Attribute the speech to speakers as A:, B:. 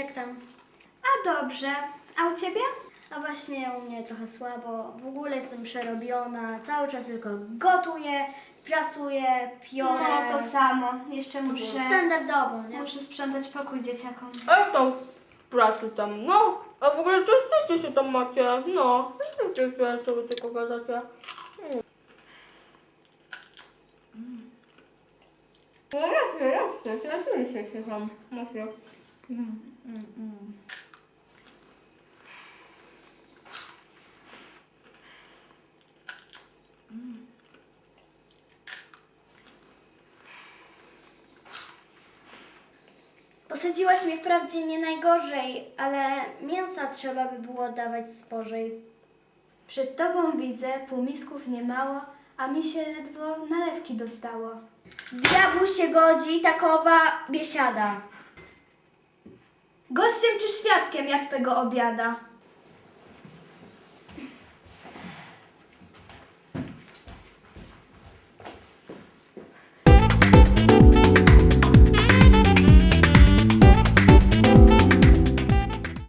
A: Jak tam?
B: A dobrze. A u ciebie?
A: A właśnie u mnie trochę słabo. W ogóle jestem przerobiona. Cały czas tylko gotuję, prasuję, piorę.
B: No to samo. Jeszcze muszę
A: Standardowo, nie?
B: sprzątać pokój dzieciakom.
C: A jak tam w pracy tam, no? A w ogóle czyście się tam macie? No, czyście się, co wy tylko gadacie. No jasne się tam, macie.
A: Posadziłaś mnie wprawdzie nie najgorzej, ale mięsa trzeba by było dawać spożej.
B: Przed tobą widzę półmisków niemało, a mi się ledwo nalewki dostało.
A: Diabłu się godzi takowa biesiada.
B: Gościem czy świadkiem ja twego obiada?